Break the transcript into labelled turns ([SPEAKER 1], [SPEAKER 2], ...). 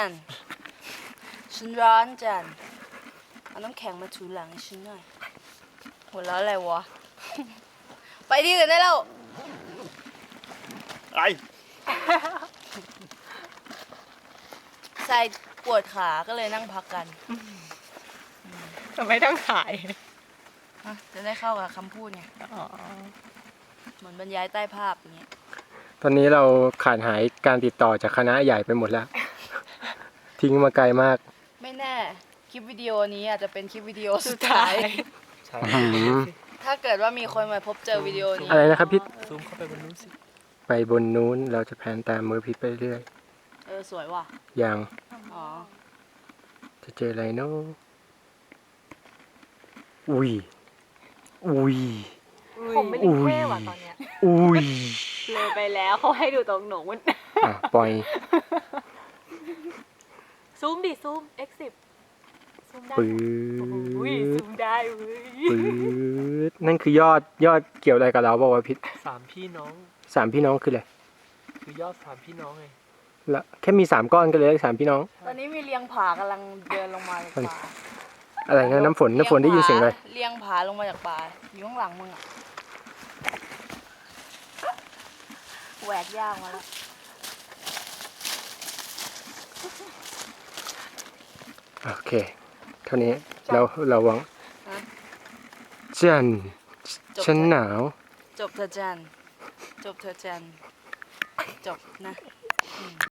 [SPEAKER 1] ฉันร้อนจันเอาน้ำแข็งมาถูหลังให้ฉันหน่อยหัวเราะอะไรวะ ไปที่อื่นได้แล้ว
[SPEAKER 2] ไอ
[SPEAKER 1] ใส่ปวดขาก็เลยนั่งพักกัน
[SPEAKER 3] ทำไมต้องขาย
[SPEAKER 1] จะได้เข้ากับคำพูดไง
[SPEAKER 3] อ๋อ
[SPEAKER 1] เหมือนบรรยายใต้ภาพอย่างเงี้ย
[SPEAKER 4] ตอนนี้เราขาดหายการติดต่อจากคณะใหญ่ไปหมดแล้ว ทิ้งมาไกลมาก
[SPEAKER 1] ไม่แน่คลิปวิดีโอนี้อาจจะเป็นคลิปวิดีโอสุดท้าย
[SPEAKER 2] ใช่
[SPEAKER 1] ถ้าเกิดว่ามีคนมาพบเจอวิดีโอนี้
[SPEAKER 4] อะไรนะครับพี่
[SPEAKER 2] ซูมเข้าไปบนนู้นสิ
[SPEAKER 4] ไปบนนู้นเราจะแพนตามมือพิษไปเรื่อย
[SPEAKER 1] สวยว่ะ
[SPEAKER 4] อย่าง
[SPEAKER 1] อ๋อ
[SPEAKER 4] จะเจออะไรเนาะอุ้ยอุ้ย
[SPEAKER 3] ผมไม่ได้เท่ว่ะตอนเนี้ย
[SPEAKER 4] อุ้ย
[SPEAKER 3] เลยไปแล้วเขาให้ดูตรงหนูมัน
[SPEAKER 4] อ่ะปล่อย
[SPEAKER 3] ซูมดิซูม X10 ซูมได้
[SPEAKER 4] ปื๊
[SPEAKER 3] อุ้ย
[SPEAKER 4] ด
[SPEAKER 3] ซูมได้เว้ย
[SPEAKER 4] ปื๊ดนั่นคือยอดเกี่ยวอะไรกับเราบอกว่าพิษ
[SPEAKER 2] 3 พี่น้อง
[SPEAKER 4] สามพี่น้องคืออะไร
[SPEAKER 2] คือยอด3 พี่น้องไง
[SPEAKER 4] ละแค่มี3 ก้อนก็เลยสามพี่น้อง
[SPEAKER 1] ตอนนี้มีเลียงผากำลังเดินลงมาจากป่า
[SPEAKER 4] อะไรนะน้ำฝนได้ยินเสียงอะไร
[SPEAKER 1] เลียงผาลงมาจากป่าอยู่ข้างหลังมึงอะแหวกย่างมาแล้ว
[SPEAKER 4] โอเคเท่านี้เราหวังจันฉันหนาว
[SPEAKER 1] จบเธอะจันจบเธอะจันจบนะ